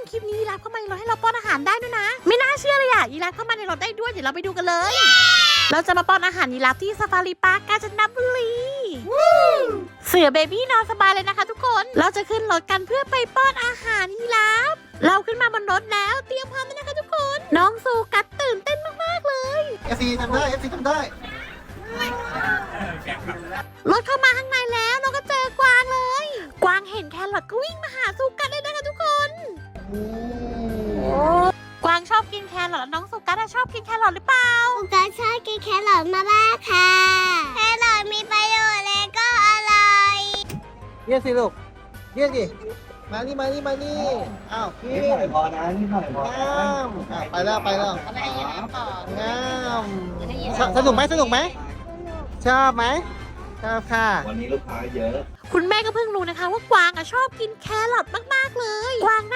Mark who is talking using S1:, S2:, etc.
S1: คลิปนี้ยีราฟเข้ามาในรถให้เราป้อนอาหารได้ด้วยนะไม่น่าเชื่อเลยอ่ะยีราฟเข้ามาในรถได้ด้วยเดี๋ยวเราไปดูกันเลย เราจะมาป้อนอาหารยีราฟที่ซาฟารีพาร์คกาญจนบุรีเสือเบบี้นอนสบายเลยนะคะทุกคนเราจะขึ้นรถกันเพื่อไปป้อนอาหารยีราฟเราขึ้นมาบนรถแล้วเตรียมพร้อมแล้วนะคะทุกคนน้องซูกัสตื่นเต้นมากๆเลย
S2: FC ทำได้ FC ทำได้
S1: รถเข้ามาข้างในแล้วเราก็เจอกวางเลยกวางเห็นแครอทก็วิ่งมาหาซูกัสเลยนะคะทุกคนกวางชอบกินแครอทแล้วน้องซูกัสชอบกินแครอทหรือเปล่า
S3: ลูกก็ชอบกินแครอทมากๆค่ะ แครอทมีประโยชน์และก็อร่อย
S2: เรียกสิลูกเรียกดิมานี่อ้าวพี่
S4: นิดหน่อยพอนะนิดหน่อยพอนะ
S2: งามไปแล้วงามสนุกไหมชอบไหมชอบค่ะ
S4: วันนี้ลูกค้าเยอะ
S1: คุณแม่ก็เพิ่งรู้นะคะว่ากวางชอบกินแครอทมากๆเลยกวาง